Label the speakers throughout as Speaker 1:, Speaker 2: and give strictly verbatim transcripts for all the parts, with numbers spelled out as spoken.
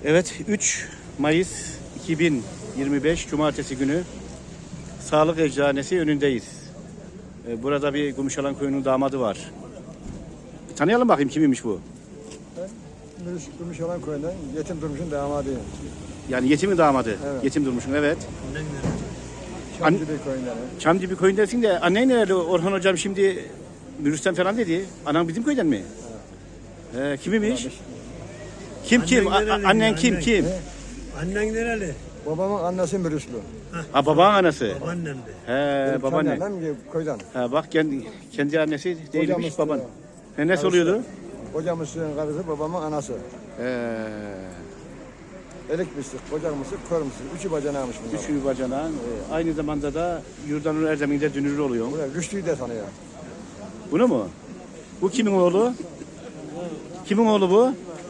Speaker 1: Evet, üç Mayıs iki bin yirmi beş Cumartesi günü Sağlık Eczanesi önündeyiz. Burada bir Gümüşalan Köyü'nün damadı var. Tanıyalım bakayım kimmiş bu?
Speaker 2: Ben Gümüşalan Köyü'nden Yetim Durmuş'un damadıyım.
Speaker 1: Yani yetimin damadı.
Speaker 2: Evet.
Speaker 1: Yetim Durmuş'un, evet.
Speaker 2: Çamdibi Köyü'nden.
Speaker 1: Çamdibi Köyü'ndesin de annen nerede? Orhan hocam şimdi Mürüs'ten falan dedi. Anan bizim köyden mi? Evet. Ee, kimmiş? Kim kim?
Speaker 3: Annen
Speaker 1: A-
Speaker 3: nereli?
Speaker 1: annen kim
Speaker 3: Annen.
Speaker 1: kim?
Speaker 3: Annen nereli?
Speaker 2: Babamın annesi Mürüslü.
Speaker 1: Ha, babanın anası.
Speaker 3: Babaannem de.
Speaker 1: He, babaanne.
Speaker 2: Annem köyden.
Speaker 1: Ha, bak kendi, kendi annesi değilmiş
Speaker 2: Hocamız
Speaker 1: baban.
Speaker 2: da-
Speaker 1: He, nasıl oluyordu?
Speaker 2: Hocamızın karısı babamın anası.
Speaker 1: Ee,
Speaker 2: Elik mislik, kocak mısık, kör mısık. Üçü bacanağımış bunlar.
Speaker 1: Üçü bacanağın. e, aynı zamanda da Yurdanur Erdem'inde dünürü oluyor.
Speaker 2: Buraya Rüştü'yü de tanıyor.
Speaker 1: Bunu mu? Bu kimin oğlu? Kimin oğlu bu?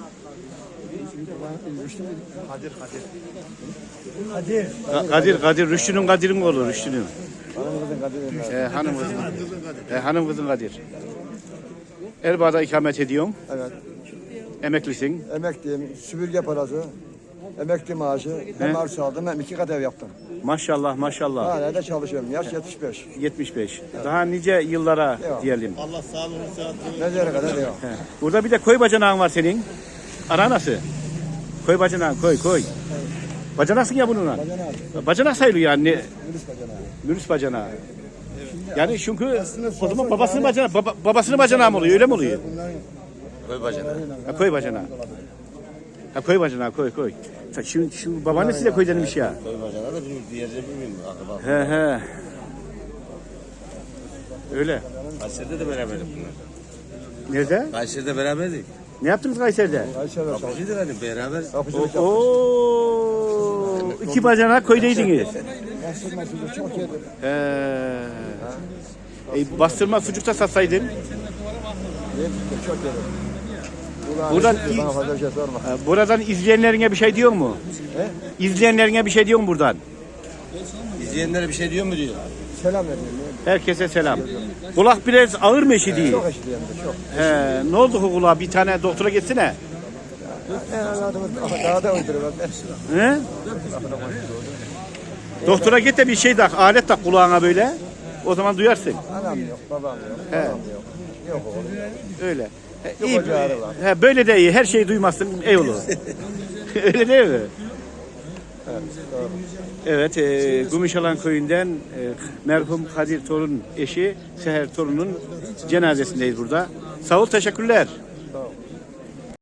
Speaker 2: Rüştü
Speaker 3: Kadir Kadir. Kadir.
Speaker 1: Ka- Kadir, Kadir. Rüştü'nün Kadir'in oğlu, Rüştü'nün.
Speaker 2: hanımımızın Kadir'in.
Speaker 1: Ee, hanım kızın. Ee, hanım kızın Kadir. Erbaa'da ikamet ediyorsun.
Speaker 2: Evet.
Speaker 1: Emeklisin.
Speaker 2: Emekliyim, süpürge parası, emekli maaşı. Hem arsa aldım hem iki kat ev yaptım.
Speaker 1: Maşallah, maşallah.
Speaker 2: Hala da çalışıyorum. Yaş yetmiş beş.
Speaker 1: yetmiş beş. Daha nice yıllara
Speaker 2: Devam.
Speaker 1: diyelim.
Speaker 3: Allah sağlığını sıhhatini.
Speaker 2: Mezara kadar devam.
Speaker 1: He. Burada bir de koy bacanağın var senin. Ana nasıl? Koy bacanağın, koy, koy. Bacanaksın ya bununla.
Speaker 2: Bacanağı.
Speaker 1: Bacanak sayılıyor yani.
Speaker 2: Mürüs bacanağı.
Speaker 1: Mürüs bacanağı. Yani çünkü o zaman babasının bacanağı, baba, babasının bacanağı mı oluyor, öyle mi oluyor?
Speaker 3: Koy bacana.
Speaker 1: Ha, koy bacanağı. Ha, koy bacanağı, koy, koy. Ta- Şimdi, şimdi babaannesi de koy denilmiş ya.
Speaker 3: Koy bacana da bizim diğerleri bilmiyorum. Akraba.
Speaker 1: He he. Öyle.
Speaker 3: Kayseri'de de beraberdik bunlar.
Speaker 1: Nerede?
Speaker 3: Kayseri'de beraberdik.
Speaker 1: Ne yaptınız Kayseri'de?
Speaker 2: Ayşe ve
Speaker 3: Kapıcıydı hani beraber.
Speaker 2: Kapıcılık yaptım.
Speaker 1: Oo, iki bacanak köydeydiniz.
Speaker 2: Bastırma sucuk çok yedim.
Speaker 1: He. E, bastırma sucuk da satsaydın.
Speaker 2: Yedim de çok yedim. Ulan
Speaker 1: Buradan
Speaker 2: işte
Speaker 1: iyi-
Speaker 2: bana fazla bir şey sorma.
Speaker 1: E, buradan izleyenlerine bir şey diyor mu?
Speaker 2: He?
Speaker 1: İzleyenlerine bir şey diyor mu buradan?
Speaker 3: İzleyenlere bir şey diyor mu diyor.
Speaker 2: Selam veriyorum.
Speaker 1: Herkese selam. Kulak biraz ağır mı eşi değil?
Speaker 2: Çok eşliyim de çok.
Speaker 1: He, ne oldu bu kulağa? Bir tane doktora gitsene.
Speaker 2: En anladığımız daha da uyduruyor.
Speaker 1: He? Doktora git de bir şey tak, alet tak kulağına böyle. O zaman duyarsın.
Speaker 2: Anam yok, babam yok,
Speaker 1: He.
Speaker 2: babam yok. Yok oğlum.
Speaker 1: Öyle. He,
Speaker 2: Yok,
Speaker 1: iyi.
Speaker 2: ocağı var.
Speaker 1: He, böyle de iyi. Her şeyi duymazsın. Ey olur. Öyle değil mi?
Speaker 2: Evet, doğru.
Speaker 1: Evet, e, Gümüşalan Köyü'nden e, merhum Kadir Torun eşi Seher Torun'un cenazesindeyiz burada. Sağ ol, teşekkürler.